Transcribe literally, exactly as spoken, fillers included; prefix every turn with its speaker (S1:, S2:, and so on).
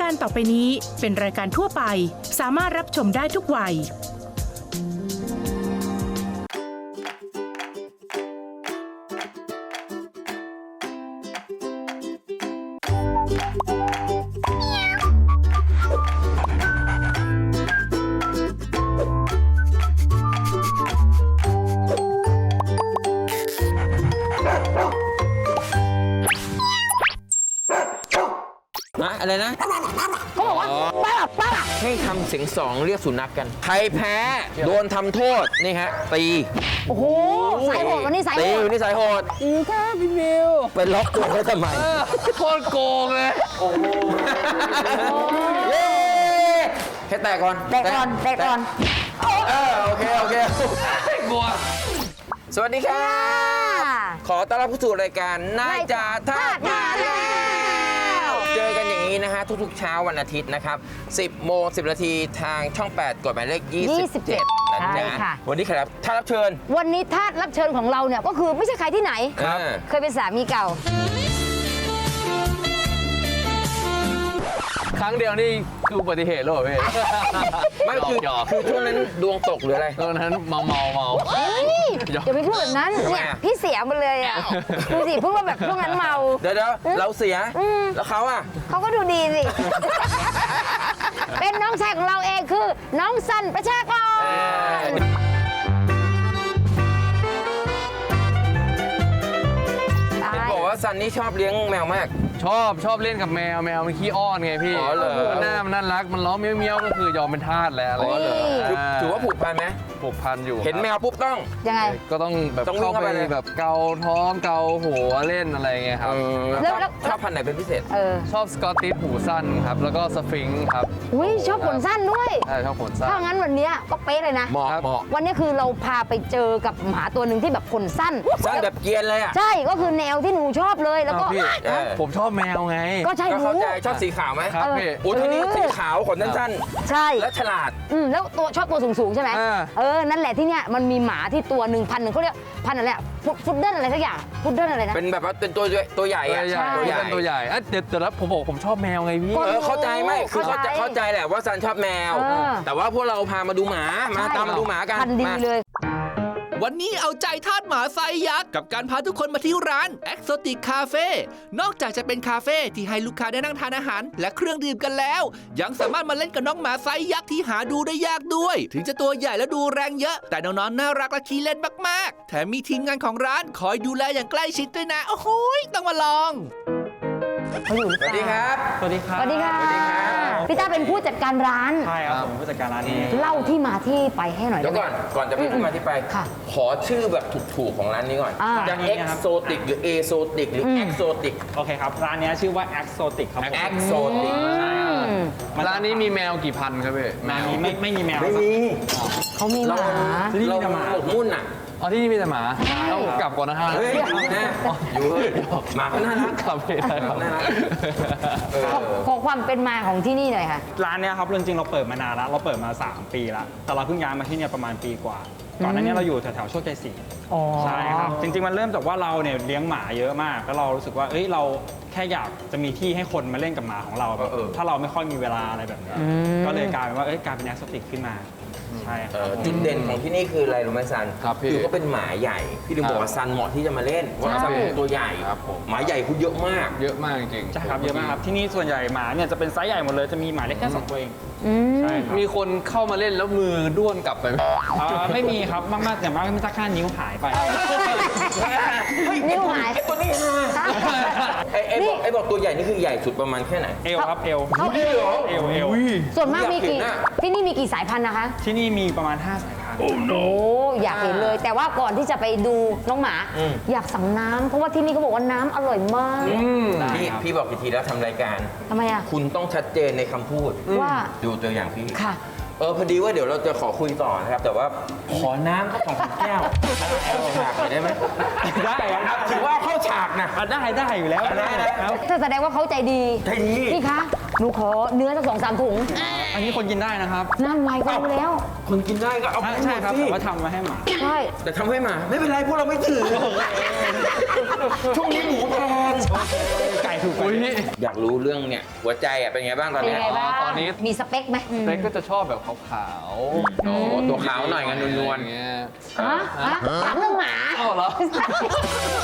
S1: การต่อไปนี้เป็นรายการทั่วไปสามารถรับชมได้ทุกวัย
S2: อะไรนะเขาบอกว่าป้าป้าให้ทำเสียงสองเรียกสุนัขกันใครแพ้โดนทำโทษนี่ฮะตี
S3: โอ้โหสายโหดวันนี้สายโหด
S2: ตีวันนี้สายโหด
S4: จริงค่ะพี่มิว
S2: ไปล็อกตัวเขาทำไม
S4: โคตรโกงเลยโอ้โห
S2: แค่แตะก่อน
S3: แตะก่อนแตะก่อน
S2: เออโอเคโอเค
S4: กลัว
S2: สวัสดีครับขอต้อนรับเข้าสู่รายการนายจ่าทาสมาแล้วเจอกันอย่างนี้นะฮะทุกๆเช้าวันอาทิตย์นะครับสิบโมงสิบนาทีทางช่องแปดกดหมายเลขยี่สิบเจ็ดนะจ๊ะวันนี้ใครรับท่านรับเชิญ
S3: วันนี้ทาสรับเชิญของเราเนี่ยก็คือไม่ใช่ใครที่ไหนเคยเป็นสามีเก่า
S4: ครั้งเดียวนี่คืออุบัติเหตุหรอพี่
S2: ไม่คือคือช่วงนั้นดวงตกหรืออะไร
S4: ตอนนั้นเมาเมาเมา
S3: อย่าไปพูดแบบนั้นเนี่ยพี่เสียมาเลยอ่ะดูสิพูดว่าแบบช่วงนั้นเมา
S2: เดี๋ยวเดี๋ยวเราเสียแล้วเขาอ่ะ
S3: เขาก็ดูดีสิเป็นน้องชายของเราเองคือน้องสันประชากร
S2: บอกว่าซันนี่ชอบเลี้ยงแมวมาก
S4: ชอบชอบเล่นกับแมวแมวมันขี้อ้อนไงพี่
S2: อ๋อเหรอ
S4: หน้ามันน่ารักมันร้องเมี้ยวเมี้ยวก็คือยอมเป็นทาสแล้วอะไรอย่างเงี้ย
S2: ถือว่าผูกพันไหม
S4: ผูกพันอยู่
S2: เห็นแมวปุ๊บต้อง
S3: ยังไง
S4: ก็ต้องแบบเข้าไปแบบเกาท้องเกาหัวเล่นอะไรเงี้ยครับ
S2: ชอบพันธุ์ไหนเป็นพิเศษ
S4: ชอบสกอตติชหูสั้นครับแล้วก็สฟิงค์ครับ
S3: อุ้ยชอบขนสั้นด้วย
S4: ใช่ชอบขนสั้น
S3: ถ้างั้นวันนี้ก็เป๊ะเลยนะ
S2: เหมาะเหมาะ
S3: วันนี้คือเราพาไปเจอกับหมาตัวหนึ่งที่แบบขนสั้น
S2: สั้นแบบเกียนเลยอ่ะ
S3: ใช่ก็คือแนวที่หนูชอบเลยแล้วก็
S4: ผมชอบแมวไง
S3: ก็ใช่หนู
S2: ชอบสีขาวไหม
S4: ครับพี่
S2: โอ้ทีนี้สีขาวขนสั้น
S3: ใช่
S2: และฉลาด
S3: อืมแล้วตัวชอบตัวสูงๆใช่ไหมเออนั่นแหละที่เนี้ยมันมีหมาที่ตัวหนึ่งพันหนึ่งเขาเรียกพันอะไรฟุตเดิลอะไรสักอย่างฟุตเดิลอะไรนะ
S2: เป็นแบบว่าเป็นตัวตัวใหญ่อะ
S4: ตัวใหญ่ตัวใหญ่อ่ะเดี๋ยวแต่ละผมบอกผมชอบแมวไงพี่
S2: เออเข้าใจไหมคือเขาจะเข้าใจแหละว่าซันชอบแมวแต่ว่าพวกเราพามาดูหมามาตามมาดูหมากัน
S3: พันดีเลย
S5: วันนี้เอาใจทาสหมาไซส์ยักษ์กับการพาทุกคนมาที่ร้าน Exotic Cafe นอกจากจะเป็นคาเฟ่ที่ให้ลูกค้าได้นั่งทานอาหารและเครื่องดื่มกันแล้วยังสามารถมาเล่นกับน้องหมาไซส์ยักษ์ที่หาดูได้ยากด้วยถึงจะตัวใหญ่และดูแรงเยอะแต่น้องๆน่ารักและขี้เล่นมากๆแถมมีทีมงานของร้านคอยดูแลอย่างใกล้ชิดด้วยนะโอ้โหต้องมาลอง
S2: สวัสดีครับ
S4: สวัสดีครับ
S3: สวัสดีค่ะพี่ต้าเป็นผู้จัดการร้าน
S4: ใช่ครับผมผู้จัดการร้านนี้
S3: เล่าที่มาที่ไปให้หน่อย
S2: เดี๋ยวก่อนก่อนจะเป็นที่มาที่ไปขอชื่อแบบถูกๆของร้านนี้ก่อนจะ Exotic หรือ Exotic หรือ Exotic
S6: โอเคครับร้านนี้ชื่อว่า Exotic ครับ
S2: Exotic
S6: ใช่ครับ
S4: ร้านนี้มีแมวกี่พันครับพี่
S6: แมวไม่ไม่มีแมว
S2: ไม่มี
S3: เขามีหมา
S2: ที่นี่มีแต่หมาหมกมุ่นอ่ะ
S4: อ๋อที่นี่มีแต่หมาต้องกลับก่อนนะฮะ
S2: เฮ้ยอยู่หมาก็น่ารัก
S4: ครับพี่ได้ครับน่ารัก
S3: ขอความเป็นมาของที่นี่หน่อยค่ะ
S6: ร้านนี้ครับจริงๆเราเปิดมานานแล้วเราเปิดมาสามปีแล้วแต่เราเพิ่งย้ายมาที่นี่ประมาณปีกว่าก่อนหน้านี้เราอยู่แถวๆโชคชัยสี่ใช่ครับจริงๆมันเริ่มจากว่าเราเนี่ยเลี้ยงหมาเยอะมากแล้วเรารู้สึกว่าเอ้ยเราแค่อยากจะมีที่ให้คนมาเล่นกับหมาของเราแบบถ้าเราไม่ค่อยมีเวลาอะไรแบบนี้ก็เลยกลายเป็นว่าเอ้ยกลายเป็น Exotic ขึ้นมาใช่
S2: จุดเด่นของที่นี่คืออะไรรู้ไหมซันคือก็เป็นหมาใหญ่พี่ถึงบอกว่าซันเหมาะที่จะมาเล่นเพราะซันเป็นตัวใหญ่หมาใหญ่คุณเยอะมาก
S4: เยอะมากจริง
S6: ใช่ครับเยอะมากครับที่นี่ส่วนใหญ่หมาเนี่ยจะเป็นไซส์ใหญ่หมดเลยจะมีหมาเล็กแค่สองตัวเอง
S4: ใช่มีคนเข้ามาเล่นแล้วมือด้วนกลับไปไหม
S6: ไม่มีครับมากๆอย่างมากมีสักแค่นิ้วหายไป
S3: นิ้วหาย
S2: ตัวนี้ไอ้ไอ้บอกไอ้บอกตัวใหญ่นี่คือใหญ่สุดประมาณแค่ไหน
S6: เอวครับเอว
S3: เขาเอว
S6: เอวเอว
S3: ส่วนมากมีกี่ที่นี่มีกี่สายพันธุ์นะคะ
S6: ที่นี่มีประมาณห้าสายพันธุ์
S3: โอ้อยากเห็นเลยแต่ว่าก่อนที่จะไปดูน้องหมาอยากสั่งน้ำเพราะว่าที่นี่เขาบอกว่าน้ำอร่อยมาก
S2: พี่พี่บอกกี่ทีแล้วทำรายการ
S3: ทำไมอ่ะ
S2: คุณต้องชัดเจนในคำพูด
S3: ว่า
S2: ดูตัวอย่างพี่
S3: ค่ะ
S2: เออพอดีว่าเดี๋ยวเราจะขอคุยต่อนะครับแต่ว่าขอน้ำสักสองแก้วเข้าฉากได้ไหม
S6: ได้ครับ
S2: ถือว่าเข้าฉากนะ
S6: ได้ได้อยู่แล้ว
S2: ได้
S3: นะครับแสดงว่าเขาใจดี
S2: ใจดี
S3: พี่คะหนูขอเนื้อสักสองสามถุง
S6: อันนี้คนกินได้นะครับ
S3: นั่นไงก็รู้แล้ว
S2: คนกินได้ก็เอาไป
S6: ใช่
S2: หมด
S6: ครับ
S2: สิ
S6: แต่ว่าทำมาให้หมา
S3: ใช่
S2: แต่ทำให้หมาไม่เป็นไรพวกเราไม่ถือช่วงนี้หมูแพง
S6: ไก่ถูกกว่า
S4: อุ้ย
S2: อยากรู้เรื่องเนี่ยหัวใจอ่ะเป็นไงบ้างตอน
S3: เป็น
S2: เนี้ย
S3: ไงบ้าง
S4: ตอนนี้
S3: มีสเปคไหม
S4: เล็กก็จะชอบแบบขาวๆ
S2: โอ้ตัวขาวหน่อยกันนวล
S4: ๆอย่างเงี้ย
S3: ฮะฮะถามเรื่องหมา
S4: อ้าวเหรอ